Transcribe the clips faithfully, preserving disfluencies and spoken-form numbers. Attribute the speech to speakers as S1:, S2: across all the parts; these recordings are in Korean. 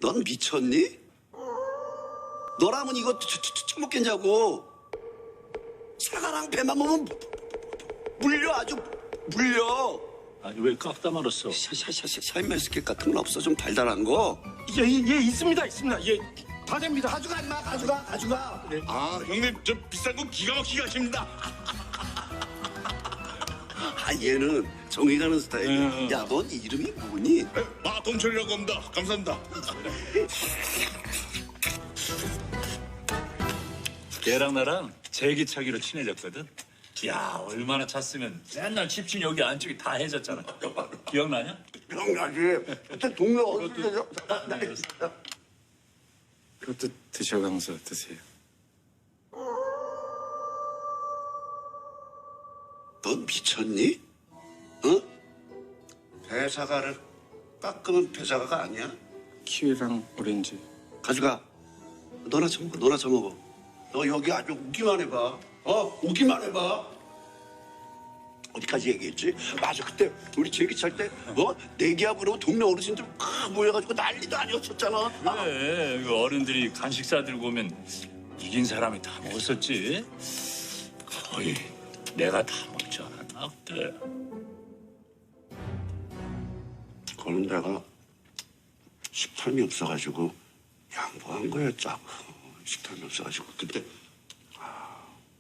S1: 넌 미쳤니? 너라면 이거 쳐- 쳐- 처먹겠냐고. 사과랑 배만 먹으면 물려, 아주 물려.
S2: 아니 왜 깎다 말았어?
S1: 샤샤샤샤 샤인머스켓 같은 건 없어? 좀 달달한 거.
S2: 예, 예, 예 있습니다 있습니다. 예, 다 됩니다.
S1: 가져가 임마, 가져가, 가져가.
S3: 아, 형님, 저 비싼 거 기가 막히게 하십니다.
S1: 아, 얘는 정이 가는 스타일이야.
S2: 음.
S1: 야, 넌 이름이 뭐니?
S3: 아, 동철이라고 합니다. 감사합니다.
S2: 얘랑 나랑 제기차기로 친해졌거든. 야 얼마나 찼으면 맨날 집신 여기 안쪽이 다 해졌잖아. 기억나냐?
S1: 기억나지? 그때 동네 어디 때죠?
S4: 그것도 드셔가면서 드세요.
S1: 넌 미쳤니? 어? 배사과를 깎으면 배사과가 아니야?
S4: 키위랑 오렌지.
S1: 가져가. 너나 처먹어, 너나 처먹어. 너 여기 아주 오기만 해봐. 어? 오기만 해봐. 어디까지 얘기했지? 맞아, 그때 우리 제기 찰 때, 어? 내기하고 동네 어르신들 막 모여가지고 난리도 아니었었잖아.
S2: 그래 그 어른들이 간식 사들고 오면 이긴 사람이 다 먹었었지. 거의 내가 다 먹지 않았나 그때.
S1: 그거는 내가 식탐이 없어가지고 양보한 거였자고. 식탐이 없어가지고 그때 아,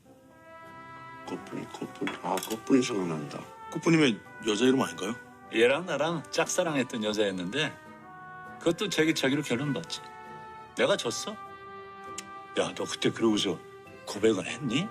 S1: 꽃분이 꽃분이 아 꽃분이 생각난다.
S3: 꽃부님의 여자 이름 아닌가요?
S2: 얘랑 나랑 짝사랑했던 여자였는데 그것도 제기차기로 결혼받지. 내가 졌어. 야 너 그때 그러고서 고백은 했니?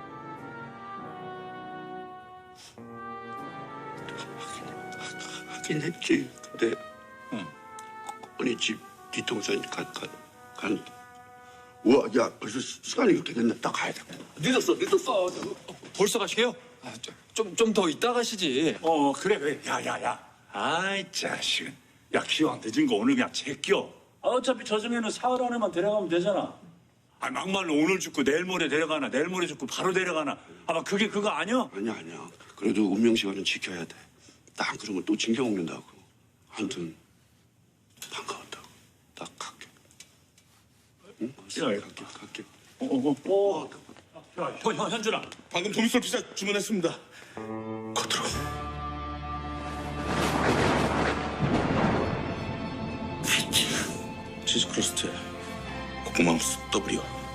S1: 하긴 했지. 근데
S2: 응.
S1: 꽃분이 집 뒤통수에 간, 간, 간 우와, 야 벌써 시- 시간이 이렇게 됐네. 딱 가야 돼. 늦었어, 늦었어.
S4: 벌써 가시게요? 아, 좀 좀 더 이따 가시지.
S2: 어 그래 그래 야야야 아이 자식은 야 기왕 늦은 거 오늘 그냥 제껴. 아, 어차피 저승에는 사흘 안에만 데려가면 되잖아. 아 막말로 오늘 죽고 내일 모레 데려가나 내일 모레 죽고 바로 데려가나 아마 그게 그거 아니야?
S1: 아니야, 아니야. 그래도 운명 시간은 지켜야 돼. 딱 안 그러면 또 징겨 먹는다고. 아무튼 반가웠다고. 딱 갈게. 응?
S2: 야, 야.
S1: 갈게, 갈게.
S2: 어어어 야, 현, 현, 현준아
S3: 방금 도미솔 피자 주문했습니다.
S1: 겉으로.
S3: 치즈 크러스트, 고구마 더블이요.